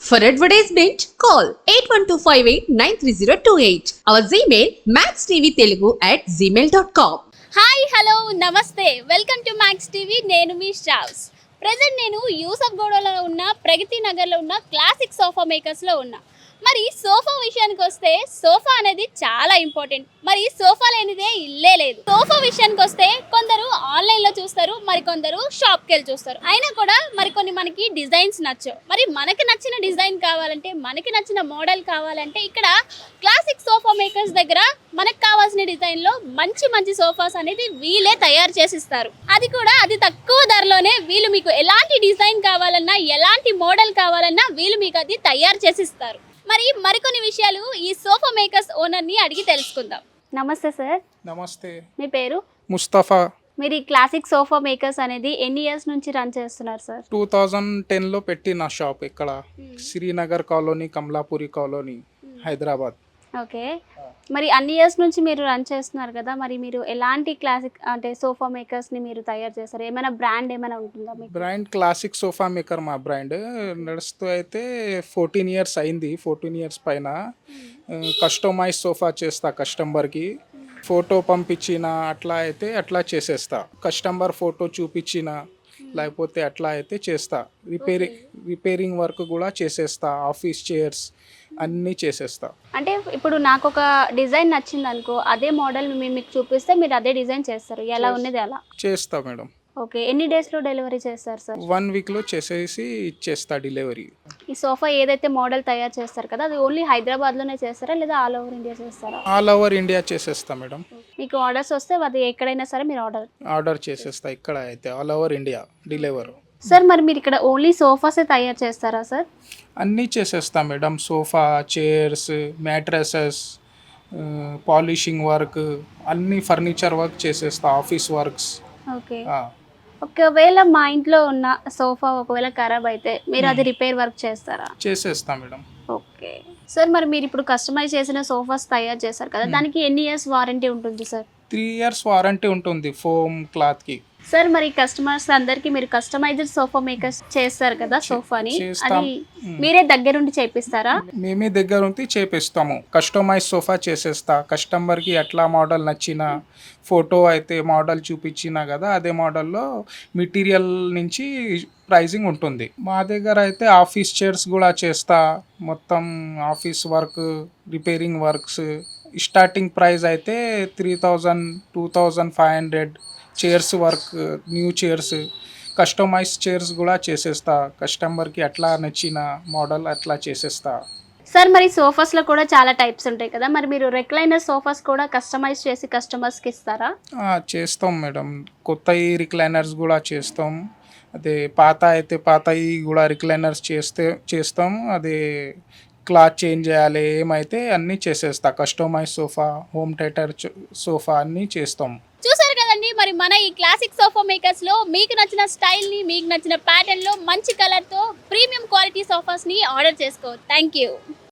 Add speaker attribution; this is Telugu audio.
Speaker 1: For advertisement, call 8125893028. Our Gmail maxtvtelugu@gmail.com.
Speaker 2: Hi hello నమస్తే వెల్కమ్ టు మ్యాక్స్ టీవీ. నేను మీ స్ట్రావ్స్. ప్రజెంట్ నేను యూసఫ్ గూడలో ఉన్న ప్రగతి నగర్లో ఉన్న క్లాసిక్ సోఫా మేకర్స్లో ఉన్నా. మరి సోఫా విషయానికి వస్తే సోఫా అనేది చాలా ఇంపార్టెంట్. మరి సోఫా లేనిదే ఇల్లే లేదు. సోఫా విషయానికి వస్తే కొందరు ఆన్లైన్లో చూస్తారు, మరి కొందరు షాప్కి వెళ్ళి చూస్తారు. అయినా కూడా మరి మనకి డిజైన్స్ నచ్చవు. మరి మనకి నచ్చిన డిజైన్ కావాలంటే, మనకి నచ్చిన మోడల్ కావాలంటే ఇక్కడ క్లాసిక్ సోఫా మేకర్స్ దగ్గర మనకు కావాల్సిన డిజైన్లో మంచి మంచి సోఫాస్ అనేది వీళ్ళే తయారు చేసిస్తారు. అది కూడా అతి తక్కువ ధరలోనే. వీళ్ళు మీకు ఎలాంటి డిజైన్ కావాలన్నా, ఎలాంటి మోడల్ కావాలన్నా వీళ్ళు మీకు అది తయారు చేసిస్తారు. మరికొన్ని విషయాలు ఈ సోఫా మేకర్స్ ఓనర్ని అడిగి తెలుసుకుందాం. నమస్తే సార్.
Speaker 3: నమస్తే.
Speaker 2: మీ పేరు?
Speaker 3: ముస్తఫా.
Speaker 2: మీరు ఈ క్లాసిక్ సోఫా మేకర్స్ అనేది ఎన్ని ఇయర్స్ నుంచి రన్ చేస్తున్నారు సార్?
Speaker 3: 2010లో పెట్టిన షాప్ ఇక్కడ Srinagar colony, Kamalapuri colony, Hyderabad.
Speaker 2: Okay. మరి అన్ని ఇయర్స్ నుంచి మీరు రన్ చేస్తున్నారు కదా, మరి మీరు ఎలాంటి క్లాసిక్ అంటే సోఫా మేకర్స్ని మీరు తయారు చేస్తారు? ఏమైనా బ్రాండ్ ఏమైనా ఉంటుందా మీకు?
Speaker 3: బ్రాండ్ క్లాసిక్ సోఫా మేకర్ మా బ్రాండ్. నడుస్తూ అయితే 14 ఇయర్స్ అయింది. 14 ఇయర్స్ పైన కస్టమైజ్ సోఫా చేస్తా. కస్టమర్కి ఫోటో పంపించిన అట్లా చేసేస్తా. కస్టమర్ ఫోటో చూపించిన లేకపోతే అట్లా అయితే చేస్తా. రిపేరింగ్ వర్క్ కూడా చేసేస్తా. ఆఫీస్ చైర్స్ అన్నీ చేసేస్తా.
Speaker 2: అంటే ఇప్పుడు నాకు ఒక డిజైన్ నచ్చింది అనుకో, అదే మోడల్ మీకు చూపిస్తే మీరు అదే డిజైన్ చేస్తారు, ఎలా ఉన్నది అలా
Speaker 3: చేస్తా మేడం.
Speaker 2: ఓకే. ఎన్ని డేస్లో డెలివరీ చేస్తారు సార్?
Speaker 3: 1 వీక్లో చేసేసి ఇచ్చేస్తా డెలివరీ.
Speaker 2: ఈ సోఫా ఏదైతే మోడల్ తయారు చేస్తారు కదా, అది ఓన్లీ హైదరాబాద్లోనే చేస్తారా లేదా ఆల్ ఓవర్ ఇండియా చేస్తారా?
Speaker 3: ఆల్ ఓవర్ ఇండియా చేసేస్తా మేడం.
Speaker 2: మీకు ఆర్డర్స్ వస్తే అది ఎక్కడైనా సరే మీరు
Speaker 3: ఆర్డర్ చేసేస్తా. ఇక్కడ అయితే all over India delivery.
Speaker 2: Sir మరి మీరు ఇక్కడ ఓన్లీ సోఫాసే తయారు చేస్తారా సార్?
Speaker 3: అన్నీ చేసేస్తా madam. Sofa, chairs, mattresses, polishing work, అన్ని ఫర్నిచర్ వర్క్ చేసేస్తా. Office works.
Speaker 2: ఓకే. ఒకవేళ మా ఇంట్లో ఉన్న సోఫా ఒకవేళ ఖరాబ్ అయితే మీరు అది రిపేర్ వర్క్ చేస్తారా?
Speaker 3: చేసేస్తా మేడం.
Speaker 2: Okay sir. మరి మీరు ఇప్పుడు కస్టమైజ్ చేసిన సోఫాస్ తయారు చేస్తారు కదా, దానికి ఎన్ని ఇయర్స్ వారంటీ ఉంటుంది సార్?
Speaker 3: 3 ఇయర్స్ వారంటీ ఉంటుంది ఫోమ్ క్లాత్కి.
Speaker 2: సార్ మరి కస్టమర్స్ అందరికి మీరు కస్టమైజ్డ్ సోఫా మేకర్స్ చేస్తారు కదా సోఫాని, అది మీరే దగ్గరుండి చేపిస్తారా?
Speaker 3: మేమే దగ్గర ఉండి చేపిస్తాము. కస్టమైజ్ సోఫా చేసేస్తా. కస్టమర్కి ఎట్లా మోడల్ నచ్చిన ఫోటో అయితే మోడల్ చూపించినా కదా, అదే మోడల్లో మెటీరియల్ నుంచి ప్రైజింగ్ ఉంటుంది. మా దగ్గర అయితే ఆఫీస్ చైర్స్ కూడా చేస్తా. మొత్తం office work, repairing works. Starting price అయితే 3000, 2500. Chairs work, new chairs, customise chairs కూడా చేసేస్తా. కస్టమర్కి అట్లా నచ్చిన మోడల్ అట్లా చేసేస్తా.
Speaker 2: సార్ మరి సోఫాస్లో కూడా చాలా టైప్స్ ఉంటాయి కదా, మరి మీరు రెక్లైనర్ సోఫాస్ కూడా కస్టమైజ్ చేసి కస్టమర్స్కి ఇస్తారా?
Speaker 3: చేస్తాం మేడం. కొత్తవి రిక్లైనర్స్ కూడా చేస్తాం. అదే పాత అయితే పాతవి కూడా రిక్లైనర్స్ చేస్తాం. అదే క్లాత్ చేంజ్ చేయాలి ఏమైతే అన్నీ చేసేస్తా. Customise sofa, home theatre sofa అన్నీ చేస్తాం.
Speaker 2: చూసారు కదండి, మరి మన ఈ క్లాసిక్ సోఫా మేకర్స్లో మీకు నచ్చిన స్టైల్ని, మీకు నచ్చిన ప్యాటర్న్లో మంచి కలర్తో ప్రీమియం క్వాలిటీ సోఫాస్ని ఆర్డర్ చేసుకో. Thank you.